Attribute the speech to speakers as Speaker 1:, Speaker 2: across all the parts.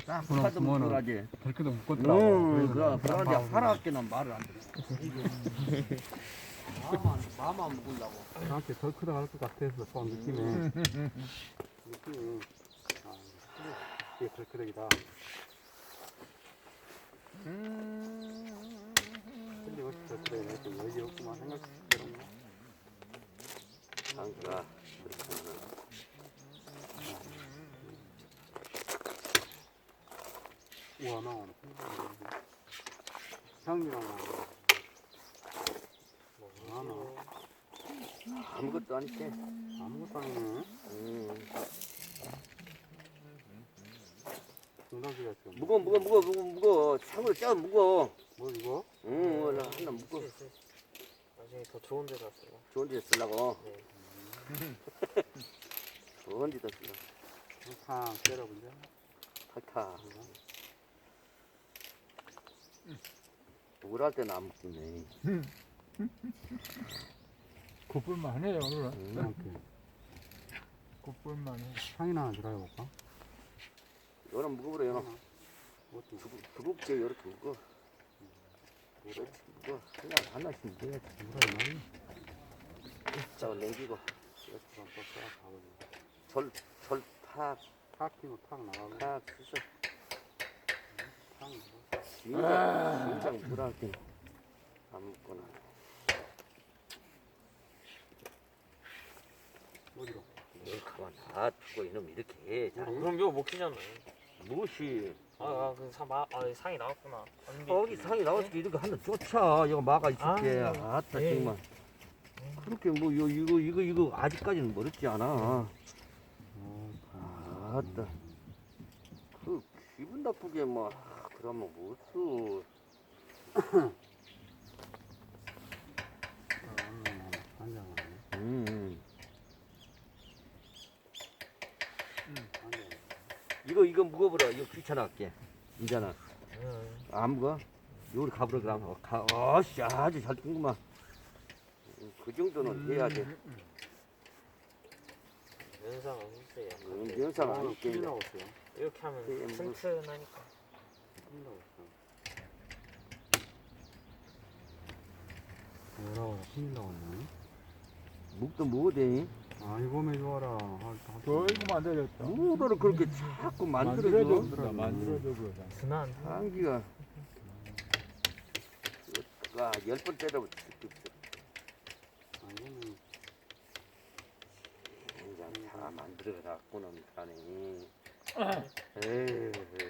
Speaker 1: 딱
Speaker 2: 그럼
Speaker 1: 하도
Speaker 2: 그거는
Speaker 1: 그러지.
Speaker 2: 덜크도 묶었더라고.
Speaker 1: 그러지 하나밖에는 말을 안 들어. 마만 먹으려고.
Speaker 2: 나한테 덜크다 할 것 같아서 또 느낌에. 느낌이 이게 덜크덕이다. 근데 어찌 덜크덕이네. 좀 여유 없구만 생각대로.
Speaker 1: 장기가
Speaker 2: 우와 나오네. 향이랑 뭐
Speaker 1: 아무것도 아니지.
Speaker 2: 아무것도 아니네. 중단기가 지금
Speaker 1: 무거. 상으로 짜 무거.
Speaker 2: 뭐 이거?
Speaker 1: 응, 하나 무거.
Speaker 3: 나중에 더 좋은 데다 쓰고.
Speaker 1: 좋은 데 쓰려고.
Speaker 3: 네.
Speaker 1: 좋은 데다 쓰려고.
Speaker 2: 탁 때려본데.
Speaker 1: 탁탁. 우울할 때는 안 먹겠네.
Speaker 4: 굿불만 해요 오늘은.
Speaker 2: 이렇게
Speaker 4: 굿불만 해.
Speaker 2: 향이나 하나 들어가볼까?
Speaker 1: 요런 무거워라, 요런.
Speaker 2: 어떻게?
Speaker 1: 두껍게 이렇게 무거. 그렇지, 무거. 그냥 하나씩 돼야지.
Speaker 2: 뭐라
Speaker 1: 저거 냉기고.
Speaker 2: 그럼 또 가보자.
Speaker 1: 절 탁,
Speaker 2: 탁 끼고 탁 나가고
Speaker 1: 탁, 쓰서.
Speaker 2: 탁 나가고.
Speaker 1: 진작 물할 때. 안 먹거나.
Speaker 2: 어디로?
Speaker 1: 가만 놔두고 이놈 이렇게 해. 자,
Speaker 3: 그럼 이거 먹히잖아요.
Speaker 1: 무엇이.
Speaker 3: 상이 나왔구나.
Speaker 1: 거기 상이 나왔으니까 이렇게 하나 쫓아. 이거 막아 있을게.
Speaker 3: 아,
Speaker 1: 아따,
Speaker 3: 예.
Speaker 1: 정말. 그렇게 뭐, 이거 아직까지는 멀었지 않아. 아따. 그, 기분 나쁘게 막, 그러면 무슨.
Speaker 2: 앉아가네.
Speaker 1: 이거 무거워라. 이거 귀찮아할게. 이제는. 안 무거? 요리 가보라 그러면. 어씨, 아주 잘 뜬구만. 그 정도는 해야지.
Speaker 3: 면상 없어요.
Speaker 1: 영상 안 있게.
Speaker 2: 큰일 나왔어요.
Speaker 3: 이렇게 하면
Speaker 1: 예, 뭐.
Speaker 3: 튼튼하니까.
Speaker 2: 큰일 나왔어. 뭐라고 큰일 나왔네.
Speaker 1: 묵도 뭐대?
Speaker 2: 아이고 매줘라.
Speaker 4: 결국만 되렸다.
Speaker 1: 뭐를 그렇게 자꾸 만들어줘.
Speaker 4: 만들어줘 그러자.
Speaker 3: 든한.
Speaker 1: 한기가. 아, 10번 때려도 죽겠어.
Speaker 2: 아이고는
Speaker 1: 그냥 다 만들어놨고는 가네. 에이.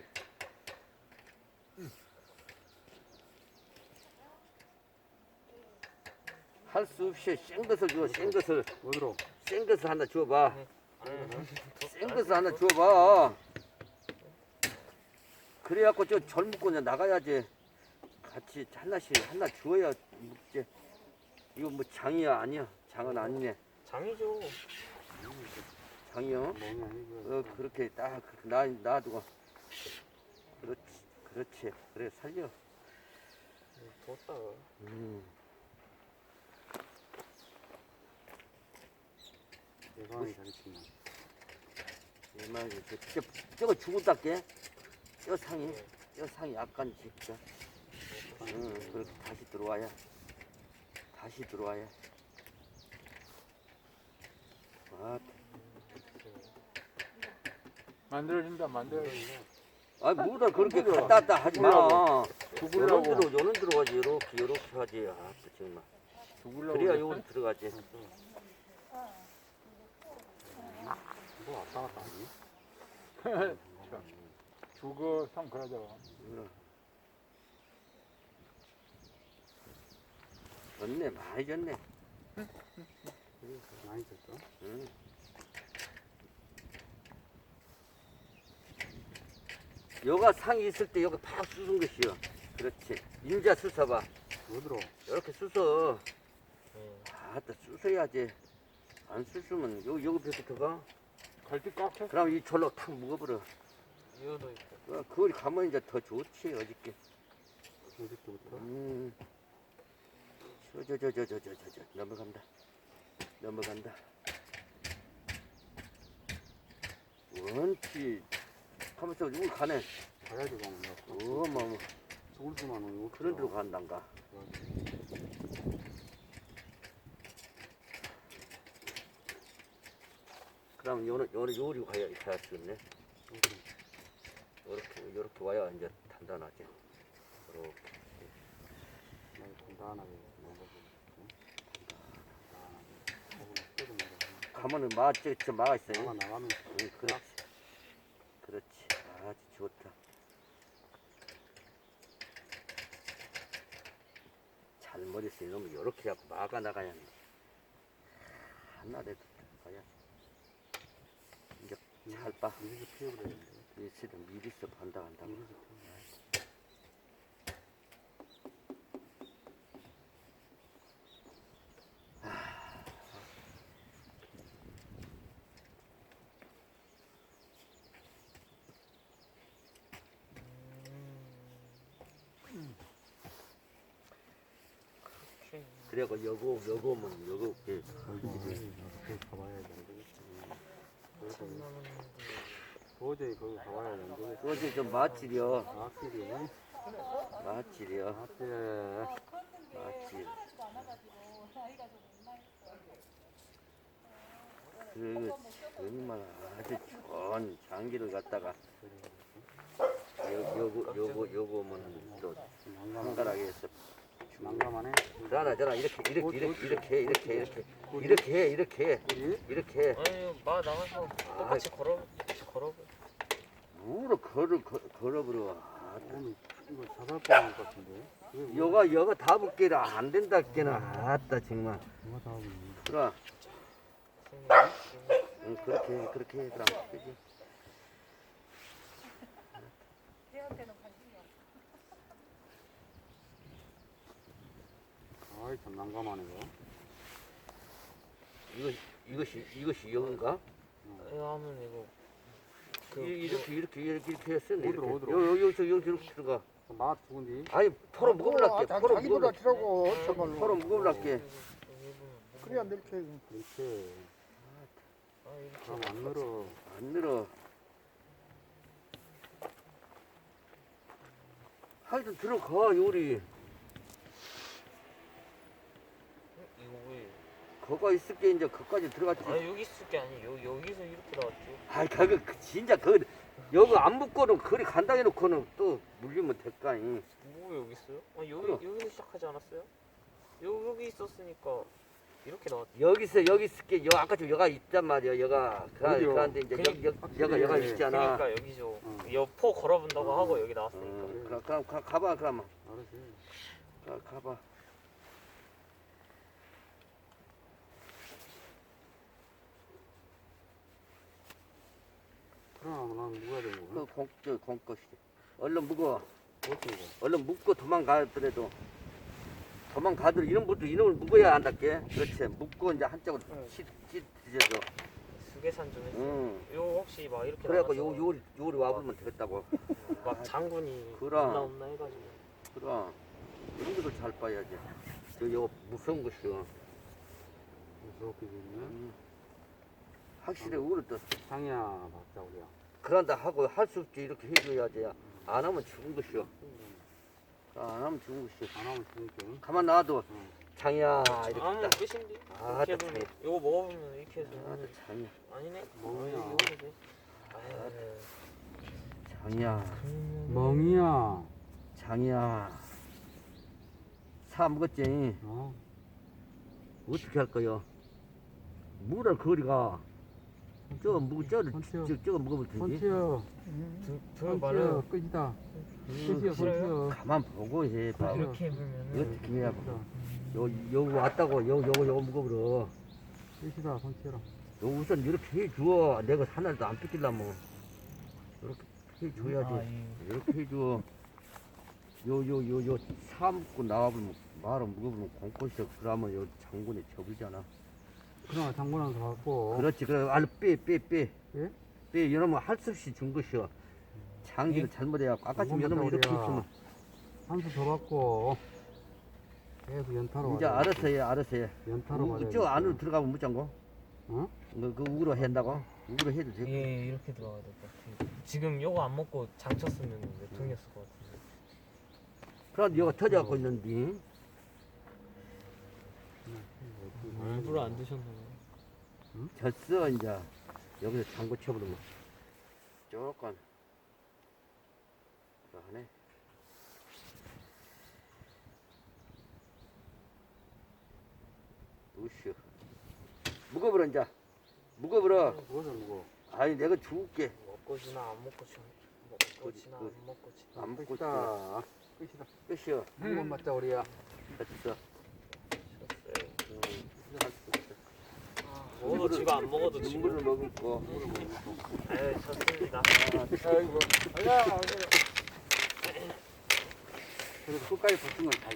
Speaker 1: 할 수 없이 생것을 줘, 생것을.
Speaker 2: 어디로?
Speaker 1: 생것을 하나 줘봐.
Speaker 3: 네.
Speaker 1: 생것을 하나 줘봐. 그래갖고 저 젊고 그냥 나가야지. 같이 하나씩 하나 주어야 먹지. 이거 뭐 장이야 아니야? 장은 아니네.
Speaker 3: 장이죠.
Speaker 1: 장이요?
Speaker 2: 뭐냐 이거.
Speaker 1: 그렇게 딱 놔두고. 그렇지. 그래 살려.
Speaker 3: 뒀다.
Speaker 2: 대박이 잘했지만.
Speaker 1: 얘만 저거 죽었다게. 저 상이 약간 진짜. 그렇게 다시 들어와야.
Speaker 4: 만들어진다 만들어진다.
Speaker 1: 뭐다 그렇게 갔다 왔다 하지 마. 요런
Speaker 4: 죽으려고.
Speaker 1: 요런 들어가지. 요렇게 하지. 정말.
Speaker 4: 죽으려고.
Speaker 1: 그래야 요런 들어가지.
Speaker 2: 뭐 왔다 갔다 하니?
Speaker 4: 죽어 참 그러죠.
Speaker 1: 졌네, 많이 졌네.
Speaker 2: 많이 됐어?
Speaker 1: 응. 여가 상이 있을 때 여기 팍 쑤순 것이요. 그렇지. 인자 쑤서봐.
Speaker 2: 어디로?
Speaker 1: 이렇게 쑤서.
Speaker 3: 네.
Speaker 1: 아따 쑤서야지. 안 쑤으면 여기 뱉어가.
Speaker 4: 갈때 꽉 찼어.
Speaker 1: 그럼 이 절로 탁 묵어버려.
Speaker 3: 이거도 있고.
Speaker 1: 그걸 가면 이제 더 좋지 어저께.
Speaker 2: 어디부터?
Speaker 1: 넘어간다. 원치 하면서 우리 가네.
Speaker 2: 가야지 가면 내가
Speaker 1: 어머
Speaker 2: 죽을 수만 하면
Speaker 1: 그런 데로 간단가. 그럼 요리 가야 쓰겠네. 요렇게 와야 이제 단단하지. 요렇게.
Speaker 2: 간단하게
Speaker 1: 가면은 저 막아 있어요.
Speaker 2: 나가면
Speaker 1: 응, 그렇지. 아주 좋다. 잘못했어. 이놈은 요렇게 하고 막아 나가야 돼. 하나라도 가야. 이제 잘 봐.
Speaker 2: 미리 피워버려야 되는데.
Speaker 1: 미리서 미리서 반다. 그래고 요거
Speaker 2: 이렇게 가봐야 되는데. 도저히 거기 가봐야 되는데.
Speaker 1: 그것이 좀 맛질이여.
Speaker 2: 확실히
Speaker 1: 맛질이여.
Speaker 2: 앞에
Speaker 1: 맛질. 그리고 정말 아주 좋은 장기를 갖다가 요거면 또 한가락에 해서
Speaker 2: 난감하네.
Speaker 1: 자나 이렇게
Speaker 3: 아니 마 나가서 똑같이 걸어.
Speaker 1: 무로 걸어버려.
Speaker 2: 오늘 이거 자살 뻔할 것 같은데.
Speaker 1: 요가 다 붙기라 안 된다 깨나. 아따 정말.
Speaker 2: 누가 다 하고
Speaker 1: 그래. 응, 그렇게 해 그럼. 그지?
Speaker 2: 아이 참 난감하네 이거.
Speaker 1: 이것이 여긴가?
Speaker 3: 이거 하면 이거
Speaker 1: 이렇게 했어.
Speaker 2: 어디로?
Speaker 1: 여기서 이렇게 들어가.
Speaker 2: 맛 죽은디.
Speaker 1: 아니 토로 무거울라게. 토로
Speaker 5: 자기도
Speaker 1: 무거울라게.
Speaker 5: 다치라고 정말로.
Speaker 1: 토로 무거울라게.
Speaker 5: 그래야 이렇게
Speaker 2: 이렇게.
Speaker 3: 이렇게
Speaker 2: 그럼 안 늘어.
Speaker 1: 안 늘어. 하여튼 들어가 요리.
Speaker 3: 이거 왜?
Speaker 1: 거가 있을 게 이제 거기까지 들어갔지.
Speaker 3: 아 여기 있을 게 아니 여기서 이렇게 나왔죠.
Speaker 1: 아이 진짜 여기 안 묶고는 그리 간당해 놓고는 또 물리면 될까니.
Speaker 3: 뭐 여기 있어요? 아
Speaker 1: 그럼.
Speaker 3: 여기서 시작하지 않았어요? 여기 있었으니까 이렇게 나왔죠.
Speaker 1: 여기 있을 게 아까 좀 여가 있단 말이야. 여가
Speaker 2: 어디요?
Speaker 1: 그런데 이제 여가 있잖아.
Speaker 3: 그러니까 여기죠. 여포 걸어본다고 하고 여기 나왔으니까.
Speaker 1: 그럼 가봐 그러면.
Speaker 2: 알았지.
Speaker 1: 가봐.
Speaker 2: 그럼 난 누가 되고.
Speaker 1: 공것이. 얼른 묵어.
Speaker 2: 어떻게 이거?
Speaker 1: 얼른 묵고 도망가더라도 이런 것도 이놈을 묵어야 한다께. 그렇지. 묵고 이제 한쪽으로 찢어져.
Speaker 3: 수계산 좀 해서.
Speaker 1: 응.
Speaker 3: 요 혹시 막 이렇게
Speaker 1: 그래갖고
Speaker 3: 나가서
Speaker 1: 요리 와보면 되겠다고.
Speaker 3: 막 장군이
Speaker 1: 그럼.
Speaker 3: 없나 해가지고.
Speaker 1: 그럼 이런 것도 잘 봐야지. 요 무서운 것이요.
Speaker 2: 무섭게 됐네.
Speaker 1: 확실히 우리 또
Speaker 2: 상이야 맞자 우리야.
Speaker 1: 그런다 하고 할 수 없지 이렇게 해줘야지. 안 하면 죽은 것이요. 안 하면 죽은 것이요.
Speaker 2: 안 하면 죽을게.
Speaker 1: 가만 놔둬.
Speaker 2: 응.
Speaker 1: 장이야
Speaker 3: 아무
Speaker 1: 이렇게 딱.
Speaker 3: 끝인데?
Speaker 1: 아,
Speaker 3: 이렇게
Speaker 1: 딱
Speaker 3: 해보면 이거 먹어보면 이렇게 해서
Speaker 1: 또 장이야.
Speaker 3: 아니네?
Speaker 2: 뭐야?
Speaker 3: 이거 해도 돼.
Speaker 1: 장이야.
Speaker 2: 멍이야.
Speaker 1: 장이야. 사 먹었지.
Speaker 2: 어?
Speaker 1: 어떻게 할 거요? 물을 거리가 저거 먹어볼 텐데.
Speaker 2: 손치여.
Speaker 3: 저 말해요.
Speaker 2: 끝이다.
Speaker 1: 음,
Speaker 2: 끝이야 손치여.
Speaker 1: 가만 보고 해. 봐.
Speaker 3: 이렇게 해보면은
Speaker 1: 어떻게 해야 요 왔다고 요거 먹어버려.
Speaker 2: 끝이다 손치여라.
Speaker 1: 요 우선 이렇게 해줘. 내가 하나도 안 뺏기려면 이렇게 해줘야지. 이렇게 해줘. 요 사먹고 나와보면 말을 먹어보면 공꽃이야. 그러면 요 장군이 접이잖아.
Speaker 2: 그럼 장군한테 갖고.
Speaker 1: 그렇지. 그래 알로 빼.
Speaker 2: 예?
Speaker 1: 빼. 이러면 할 수 없이 준 것이여. 장기를 잘못해갖고 아까 지금 이러면 이렇게 있으면
Speaker 2: 한수 더 받고. 계속 연타로.
Speaker 1: 이제 알아서 해.
Speaker 2: 연타로 받아야
Speaker 1: 저 안으로 들어가면 못 잠궈.
Speaker 2: 어?
Speaker 1: 그 우그로 한다고? 우그로 해도 되고.
Speaker 3: 예 이렇게 들어가야 될 것 같아. 지금 요거 안 먹고 장 쳤으면 몇 통이었을 것 같은데.
Speaker 1: 그럼 여가 터져갖고 있는데.
Speaker 3: 일부러 안 드셨나 봐요.
Speaker 1: 졌어 이제. 여기서 장고 쳐버리면 조금 그러네. 우슈 무거워라 이제. 무거워라.
Speaker 2: 무거워서 무거워.
Speaker 1: 아니 내가 줄게.
Speaker 3: 먹고 지나 안 먹고 지나 먹고 지나 안 먹고 지나.
Speaker 1: 안 먹고
Speaker 2: 끝이다. 끝이다.
Speaker 1: 끝이야.
Speaker 2: 한번 맞자 우리야.
Speaker 1: 됐어.
Speaker 3: 먹어도 지고 안 먹어도 지고.
Speaker 1: 눈물을 머금고.
Speaker 3: 에이 졌습니다.
Speaker 4: 아이고.
Speaker 2: 그래서 끝까지 버틴 건 다.